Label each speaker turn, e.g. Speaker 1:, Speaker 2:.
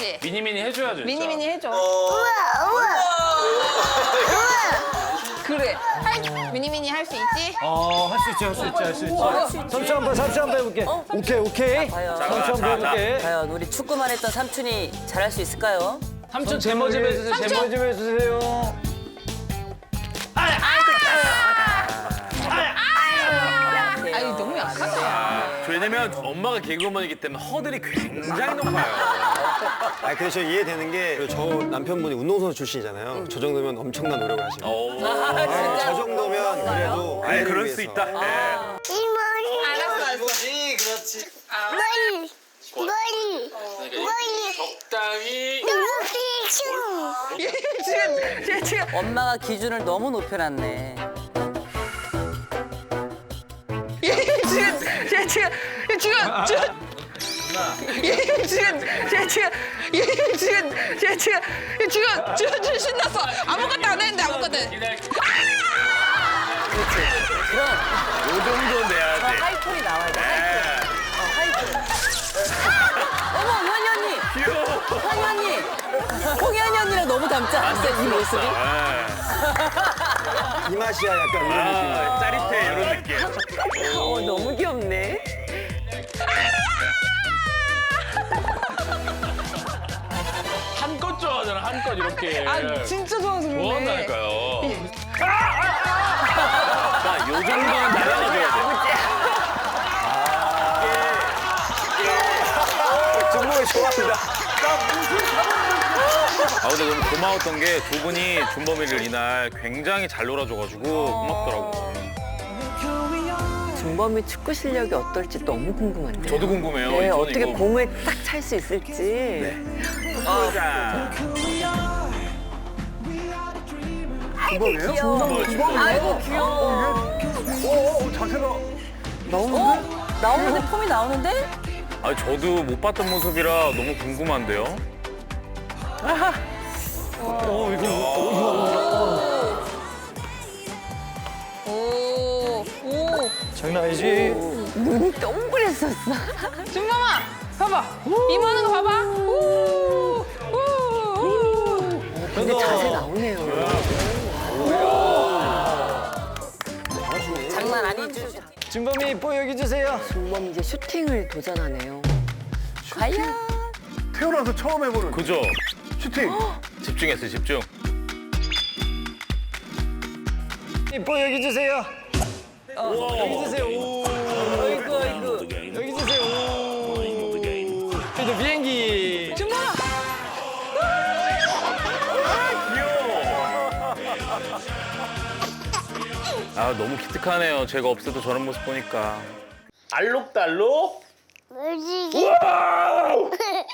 Speaker 1: 그렇지.
Speaker 2: 미니미니 해줘야죠. 진짜.
Speaker 1: 미니미니 해줘.
Speaker 3: 우와.
Speaker 1: 그래. 미니미니 할 수 있지?
Speaker 4: 할 수 있지, 할 수 있지, 할 수 있지. 삼촌 한번 해볼게. 오케이.
Speaker 5: 과연.
Speaker 4: 삼촌 한번 해볼게.
Speaker 5: 과연 우리 축구만 했던 삼촌이 잘할 수 있을까요?
Speaker 2: 삼촌 제모 좀 해주세요.
Speaker 4: 제모 좀 해주세요.
Speaker 1: 아니 너무 약하다.
Speaker 2: 왜냐면 엄마가 개그우먼이기 때문에 허들이 굉장히 높아요.
Speaker 6: 아 근데 저 이해되는 게 저 남편분이 운동선수 출신이잖아요. 저 정도면 엄청난 노력을 하시고. 저 정도면 그래도
Speaker 2: 아니
Speaker 6: 아이를
Speaker 2: 그럴 수
Speaker 6: 위해서.
Speaker 2: 있다.
Speaker 1: 알았어.
Speaker 6: 이거지, 그렇지.
Speaker 3: 머리.
Speaker 2: 적당히.
Speaker 1: 지금
Speaker 5: 엄마가 기준을 너무 높여놨네.
Speaker 1: 지금 신났어. 아무것도 안 했는데 아무것도.
Speaker 2: 요 정도 내야 돼.
Speaker 5: 하이톤이 나와야 돼. 하이톤. 어머, 현이 언니.
Speaker 2: 귀여워.
Speaker 5: 현이 언니. 홍현이 언니랑 너무 닮지 않았어요, 이 모습이?
Speaker 6: 이 맛이야 약간 이런 느낌.
Speaker 2: 짜릿해 이런 느낌.
Speaker 5: 너무 귀엽네.
Speaker 2: 한껏 좋아하잖아 한껏 이렇게.
Speaker 1: 아 진짜 좋아서 그러네.
Speaker 2: 좋아한다니까요. 자, 요 정도는 날아가줘야 돼.
Speaker 6: 준범이 좋아합니다.
Speaker 2: 아 근데 너무 고마웠던 게 두 분이 준범이를 이날 굉장히 잘 놀아줘가지고 고맙더라고.
Speaker 7: 준범이 축구 실력이 어떨지 너무 궁금한데.
Speaker 2: 저도 궁금해요.
Speaker 7: 네,
Speaker 2: 저는
Speaker 7: 어떻게
Speaker 2: 이거
Speaker 7: 공을 딱 찰 수 있을지.
Speaker 2: 보자.
Speaker 5: 아이고, 귀여워. 나오는데? 폼이 나오는데?
Speaker 2: 아 저도 못 봤던 모습이라 너무 궁금한데요.
Speaker 1: 오.
Speaker 4: 장난 아니지?
Speaker 7: 눈이 동그랬었어.
Speaker 1: 준범아, 봐봐. 이모는 거 봐봐. 우.
Speaker 7: 근데 자세 나오네요.
Speaker 5: 장난 아니죠?
Speaker 4: 준범이 보여주세요.
Speaker 7: 준범 이제 슈팅을 도전하네요.
Speaker 5: 과연?
Speaker 6: 태어나서 처음 해보는
Speaker 2: 그죠?
Speaker 6: 슈팅.
Speaker 2: 집중했어요 집중.
Speaker 4: 여기 주세요. 여기 주세요. 오.
Speaker 5: 아이고.
Speaker 4: 여기 주세요. 오. 그래도 비행기.
Speaker 1: 준범아.
Speaker 2: 아 너무 기특하네요. 제가 없어도 저런 모습 보니까. 알록달록.
Speaker 3: 머리.